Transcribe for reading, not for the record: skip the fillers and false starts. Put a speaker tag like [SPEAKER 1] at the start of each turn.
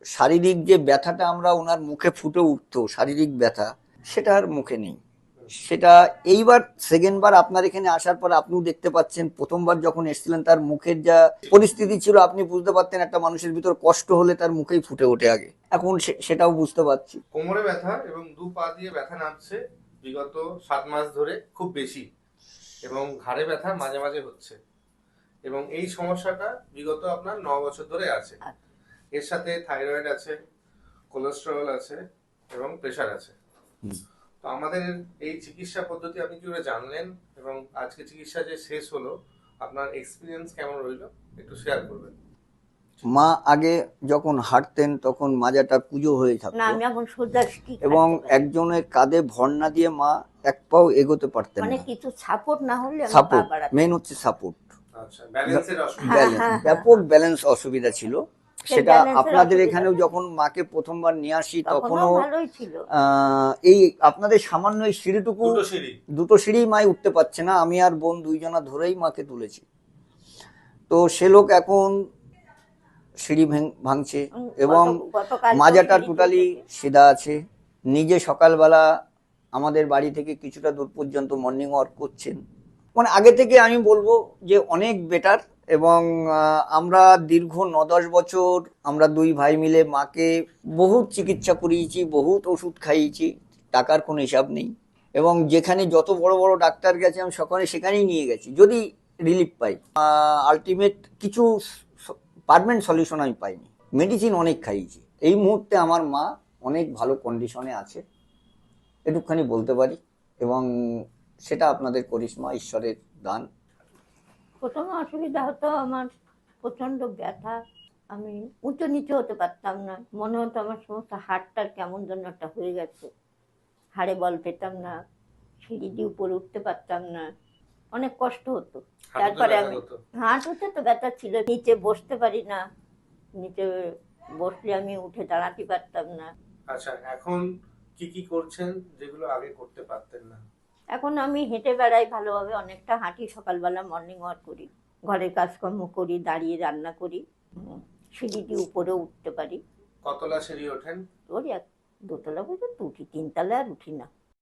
[SPEAKER 1] শারীরিক যে ব্যথাটা আমরা ওনার মুখে ফুটে উঠতো, শারীরিক ব্যথা, সেটা আর মুখে নেই। সেটা এইবার সেকেন্ড বার আপনার এখানে আসার পর আপনিও দেখতে পাচ্ছেন, প্রথমবার যখন এসেছিলেন তার মুখের যা পরিস্থিতি ছিল আপনি বুঝতে পারতেন একটা মানুষের ভিতর কষ্ট হলে তার মুখেই ফুটে ওঠে আগে। এখন সেটাও বুঝতে পারছি।
[SPEAKER 2] কোমরে ব্যথা এবং দু পা দিয়ে ব্যথা নামছে বিগত 7 মাস ধরে, খুব বেশি, এবং ঘাড়ে ব্যথা মাঝে মাঝে হচ্ছে, এবং এই সমস্যাটা বিগত আপনার 9 বছর ধরে আছে। এর সাথে থাইরয়েড আছে, কোলেস্টেরল আছে এবং প্রেশার আছে। তো আমাদের এই চিকিৎসা পদ্ধতি আপনি কিভাবে জানলেন, এবং আজকে চিকিৎসা যে শেষ হলো আপনার এক্সপিরিয়েন্স কেমন রইলো একটু শেয়ার করবেন।
[SPEAKER 1] মা আগে যখন হাঁটতেন তখন মাজাটা কুঁজো হয়ে
[SPEAKER 3] না,
[SPEAKER 1] থাকতো
[SPEAKER 3] আমি এখন সোজা
[SPEAKER 1] এবং একজনের কাঁধে ভর না দিয়ে মা এক পাও এগোতে পারতেন
[SPEAKER 3] মানে
[SPEAKER 1] না।
[SPEAKER 3] কিছু সাপোর্ট না হলে আমি পা
[SPEAKER 1] সাপোর্ট,
[SPEAKER 3] বাড়াতে
[SPEAKER 1] মেন হচ্ছে সাপোর্ট।
[SPEAKER 2] আচ্ছা, ব্যালেন্সের অসুবিধা।
[SPEAKER 1] ব্যালেন্স, ব্যাপক ব্যালেন্স অসুবিধা ছিল। সেটা
[SPEAKER 3] ব্যালেন্সের
[SPEAKER 1] আপনাদের
[SPEAKER 3] অসুবিধা
[SPEAKER 1] এখানেও
[SPEAKER 3] নেই।
[SPEAKER 1] যখন মাকে প্রথমবার নিয়ে আসি
[SPEAKER 3] তখনও
[SPEAKER 1] তখনও
[SPEAKER 3] ভালোই ছিল।
[SPEAKER 1] এই আপনাদের সামান্য এই সিঁড়িটুকু, দুটো সিঁড়ি মাই উঠতে পারছে না, আমি আর বোন দুইজনা ধরেই মাকে তুলেছি। তো সে লোক এখন সিঁড়ি ভাঙছে এবং মাজাটা টোটালি সিধা আছে। নিজে সকালবেলা আমাদের বাড়ি থেকে কিছুটা দূর পর্যন্ত মর্নিং ওয়াক করছেন। মানে আগে থেকে আমি বলবো যে অনেক বেটার। এবং আমরা দীর্ঘ 9-10 বছর আমরা দুই ভাই মিলে মাকে বহুত চিকিৎসা করিয়েছি, বহুত ওষুধ খাইয়েছি, টাকার কোনো হিসাব নেই। এবং যেখানে যত বড় বড় ডাক্তার গেছে আমি সেখানেই নিয়ে গেছি যদি রিলিফ পাই। আলটিমেট কিছু পারমানেন্ট সলিউশন আমি পাইনি, মেডিসিন অনেক খাইয়েছি। এই মুহূর্তে আমার মা অনেক ভালো কন্ডিশনে আছে, এটুকখানি বলতে পারি। এবং সেটা আপনাদের করিশ্মা, ঈশ্বরের দান।
[SPEAKER 3] প্রথমে অসুবিধা হতো আমার, প্রচন্ড ব্যথা, আমি উঁচু নিচু হতে পারতাম না, মনে হতো আমার সমস্ত হাড়টার কেমন যেন একটা হয়ে গেছে, হাড়ে বল পেতাম না, সিঁড়ি দিয়ে উপরে উঠতে পারতাম না, অনেক কষ্ট হতো। তারপরে আমি হাঁটুতে তো ব্যথা ছিল, নিচে বসতে পারি না, নিচে বসলে আমি উঠে দাঁড়াতে পারতাম না।
[SPEAKER 2] আচ্ছা, এখন কি কি করছেন যেগুলো আগে করতে পারতেন না?
[SPEAKER 3] এখন আমি হেঁটে বেড়াই ভালোভাবে, অনেকটা হাঁটি, সকালবেলা মর্নিং ওয়াক করি, ঘরের কাজকর্ম করি, দাঁড়িয়ে রান্না করি, সিঁড়ি দিয়ে উপরে উঠতে পারি।
[SPEAKER 2] কতলা সিঁড়ি ওঠেন?
[SPEAKER 3] ওই 2 তলা পর্যন্ত উঠি, 3 তলা আর উঠি না।